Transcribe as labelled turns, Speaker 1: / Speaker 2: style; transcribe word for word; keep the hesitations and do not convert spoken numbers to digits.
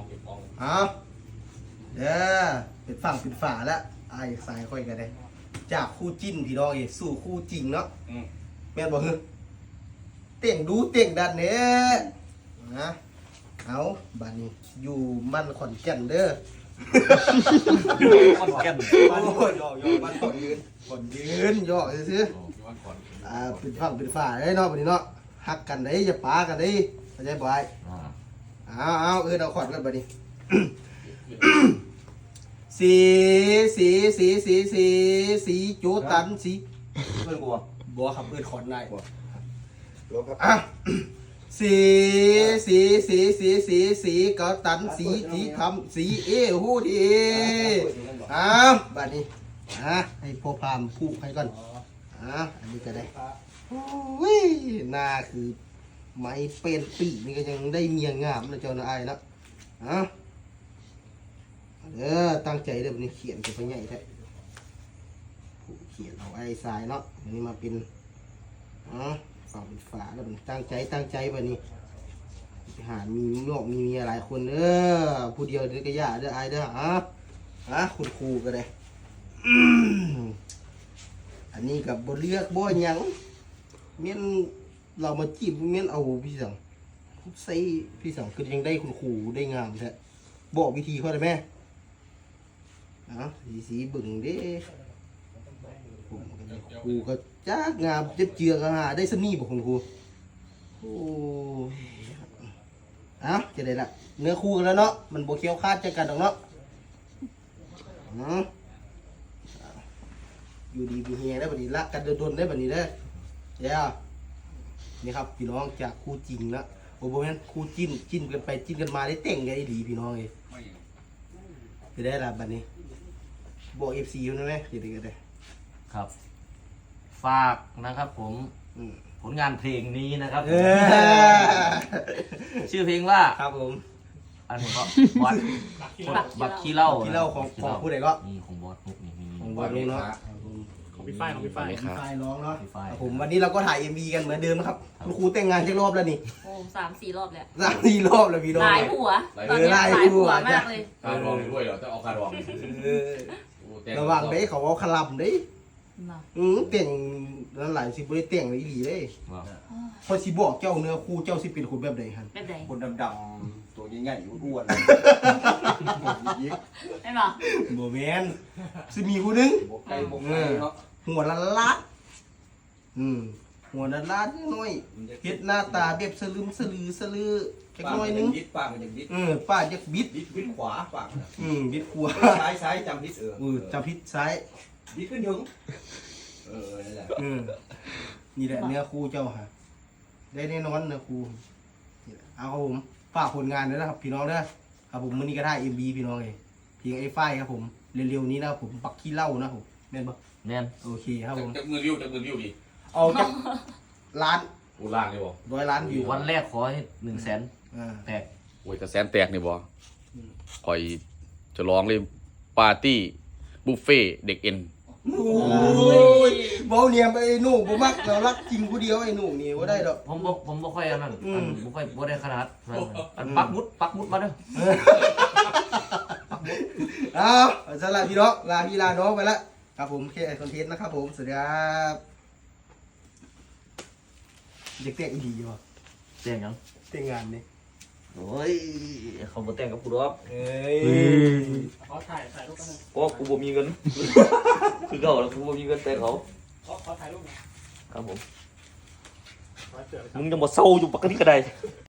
Speaker 1: เอาเด้อเป็นฝั่งเป็นฝาแล้วไอ้สายค่อยกันเลยจากคู่จิ้นพี่น้องเองสู่คู่จริงเนาะแม่นบอกเฮ้ยเต่งดูเต่งดันเนี่ยนะเอาบ้านนี้อยู่มันขอนแก่นเด้อ
Speaker 2: ขอนแก่น
Speaker 1: บ้านนี้ย่อย่อบ้านขอนยืนขอนยืนย่อซื้ออ่าเป็นฝั่งเป็นฝาได้เนาะบ้านนี้เนาะหักกันได้อย่าปากันได้เข้าใจบ่ไอ้เอาเอาเออเอาขอนกันบ้านนี้สีสีสีสีสีสีโจตันสี
Speaker 2: เพื่อนกูอ่ะ
Speaker 1: บัวครับเพื่อนขอนนายบัวอ่ะสีสีสีสีสีสีกอตันสีสีทำสีเอหูดีอ่ะบัดนี้อ่ะให้พ่อพามพูดให้ก่อนอ่ะอันนี้ก็ได้วิ่งหน้าคือไม้เป็นปีนี่ก็ยังได้เมียงามนะเจ้านายนะอ่ะเออตั้งใจเดี๋ยวนี้เขียนจะไปใหญ่แท้ผู้เขียนเอาไอ้ทรายเนาะอันนี้มาเป็นอ๋อฝั่งเป็นฝาแล้วมันตั้งใจตั้งใจแบบนี้หามีนอกมีเมียหลายคนเด้อผู้เดียวเด้อก็ยาเด้อไอ้เด้ออ่ะอ่ะคุณครูก็ได้อันนี้กับบเลือกบ่ยังเมียนเรามาจีบเมียนเอาพี่สังใส่พี่สังคือยังได้คุณครูได้งามแท้บอกวิธีเขาได้ไหมสีสีบึ่งเด้ครูก็จ้างามเจ็บเจือกหาได้สนี่บอกคุณครูโอ้เอาจะได้ละเนื้อคู่กันแล้วเนาะมันโบเคี้ยวคาดใจกันหรอกเนาะอยู่ดีมีเฮียได้แบบนี้ละกันโดนได้แบบนี้ได้เจ้านี่ครับพี่น้องจากคู่จริงนะโอ้โหแม่นคู่จิ้นจิ้นกันไปจิ้นกันมาได้แต่งกันได้ดีพี่น้องเลยจะได้ละแบบนี้บอกเอฟซีอยู่นะไหมจะได้กันได้
Speaker 2: ครับฝากนะครับผมผลงานเพลงนี้นะครับชื่อเพลงว่า
Speaker 1: ครับผม
Speaker 2: อันนี้ก็บอสบักขี้เล่า
Speaker 1: ขี้เล่าของของผู้ใดก็
Speaker 2: มีของบอสนุกนี่มี
Speaker 1: ของบอสนุกเนาะ
Speaker 3: ของพี่ฝ้ายของพี่ฝ้าย
Speaker 1: พี่ฝ้ายร้องเนาะผมวันนี้เราก็ถ่ายเอ็มวีกันเหมือนเดิมนะครับคุณครูแต่งงานเช็ครอบแล้วนี่
Speaker 4: โอ้สามสี่รอบแล้ว
Speaker 1: สามสี่รอบแล้วพี่น้อง
Speaker 4: หลายหัวตอนนี้หลายหัวมากเลย
Speaker 5: การรองด้วยเหรอจะเอาการรอง
Speaker 1: ระวังได้เขาเอาขลับได้อืมเต่งนั่นหลายสิบได้เต่งเลยดีเลยพอสิบอกเจ้าเนื้อคู่เจ้าสิเป็นคนแบบใดฮัน
Speaker 4: แบบใด
Speaker 3: คนดำๆตัวใหญ่ๆอ้วน
Speaker 4: ไม่บอก
Speaker 1: โมเมนสิมีผู้นึง
Speaker 3: ไก่บกไก่เนาะ
Speaker 1: หัวละลัดอืมหัวละลัดน้อยเฮ็ดหน้าตาแบบสลึมสลือสลือแค่น้อยนึง
Speaker 3: บิดปากมันยังบิด
Speaker 1: เออป้าจะบิด
Speaker 3: บิดบิดขวาปาก
Speaker 1: อืมบิดขวา
Speaker 3: ซ้ายซ้ายจำบิดเออ
Speaker 1: เออจำพิษซ้าย
Speaker 3: บิดขึ้นถึงเออนั่นแหละ
Speaker 1: อืมนี่แหละเนื้อคู่เจ้าฮะได้แน่นอนเนื้อคู่เอาครับผมฝากผลงานด้วยนะครับพี่น้องนะครับผมมื้อนี้ก็ได้เอ็มบีพี่น้องเองเพียงไอ้ฝ้ายครับผมเร็วๆนี้นะครับผมปักขี้เหล้านะผมแม่นปะ
Speaker 2: แน่น
Speaker 1: โอเคครับผม
Speaker 5: จะมือริ้วจะมือริ้วดี
Speaker 1: เอาจากล้าน
Speaker 5: กูล่างเลยบ่
Speaker 1: ร้อยล้านวิว
Speaker 2: วันแรกขอให้หนึ่งแสนแตก
Speaker 5: โอ้ยกระแสนแตกนี่บ่คอยจะร้องเลยปาร์ตี้บุฟเฟ่เด็กเอ็น
Speaker 1: โอ้ยเบาเนียมไอ้หนูผมมักเรารักจริงผู้เดียวไอ้หนูนี่ว่าได้ดอก
Speaker 2: ผมบอกผมบอกค่อยอันนั้นผมค่อยบ่ได้ขนาดอันปักมุดปักมุดมาเด้อ
Speaker 1: เอาสำหรับพี่น้องลาพี่ลาน้องไปแล้วครับผมแค่คอนเทนต์นะครับผมสวัสดีครับเด็กเตะดีอยู่ป่ะ
Speaker 2: เต่งยัง
Speaker 1: เตะงานนี่
Speaker 2: โอ้ยเขาบ่แต่งกับกูหรอก
Speaker 1: เอ้ย
Speaker 3: เขาถ่ายถ่ายรูปกัน
Speaker 2: โอ้กูบ่มีเงินคือเก่าแล้วกูบ่มีเงินแต่เขา
Speaker 3: เขาเขาถ่ายรูป
Speaker 2: ครับผมมึงยังบ่เศร้าอยู่ปกติก็ได้